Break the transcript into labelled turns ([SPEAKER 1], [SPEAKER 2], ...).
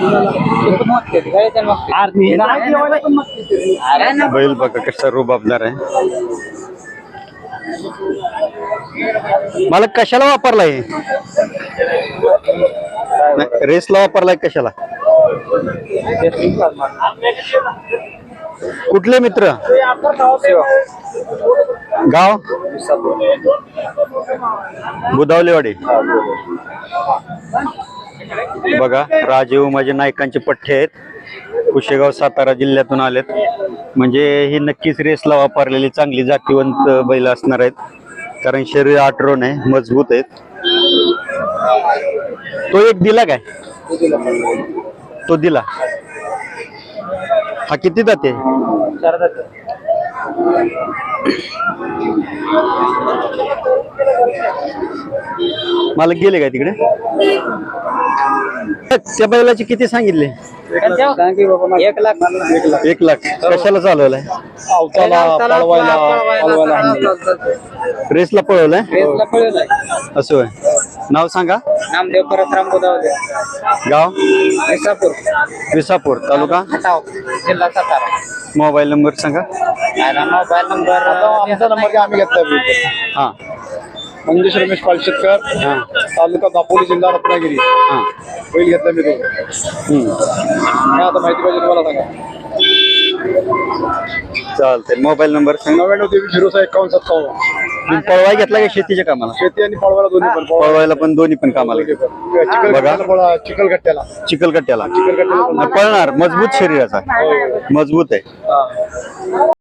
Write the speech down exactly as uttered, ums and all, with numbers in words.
[SPEAKER 1] बैल बघा कसा रुबाबदार आहे. मला कशाला वापरलाय? रेसला वापरलाय कशाला? कुठले मित्र? गाव बुधावलेवाडी. बघा राजीव माझे नायकांचे पठ्ठे आहेत. कुशेगाव सातारा जिल्ह्यातून आलेत. म्हणजे ही नक्कीच रेसला वापरलेली चांगली जातीवंत बैल असणार आहेत. कारण शरीर आठरोन आहे, मजबूत आहेत. तो एक दिला काय? तो दिला. हा किती जाते? मला गेले काय तिकडे? त्या बैलाचे किती सांगितले?
[SPEAKER 2] एक लाख.
[SPEAKER 1] एक लाख. कशाला चालवलाय? रेसला पळवलाय. असं होय. नाव सांगा.
[SPEAKER 2] नामदेव परसराम बुधावले.
[SPEAKER 1] गाव
[SPEAKER 2] विसापूर.
[SPEAKER 1] विसापूर तालुका
[SPEAKER 2] जिल्हा सातारा.
[SPEAKER 1] मोबाईल नंबर सांगा.
[SPEAKER 2] मोबाईल नंबर
[SPEAKER 3] आमचा नंबर आम्ही घेतला.
[SPEAKER 1] हा
[SPEAKER 3] मंगेश रमेश पालशेतकर,
[SPEAKER 1] हा
[SPEAKER 3] तालुका दापोली, जिल्हा रत्नागिरी.
[SPEAKER 1] हा
[SPEAKER 3] बैल घेतला मी तो.
[SPEAKER 1] हम्म
[SPEAKER 3] काय आता माहिती पाहिजे तुम्हाला सांगा.
[SPEAKER 1] चालतंय. मोबाईल नंबर सांगा.
[SPEAKER 3] नव्याण्णव तेवीस झिरो सहा एकावन्न सत्तावन्न.
[SPEAKER 1] पळवाय घेतला का शेतीच्या कामाला?
[SPEAKER 3] शेती आणि पळवायला दोन्ही पण.
[SPEAKER 1] पळवायला पण दोन्ही पण कामाला.
[SPEAKER 3] बघा चिखलगट्ट्याला
[SPEAKER 1] चिखलगट्ट्याला
[SPEAKER 3] चिखलगट्ट्याला
[SPEAKER 1] पळणार. मजबूत शरीराचा, मजबूत आहे.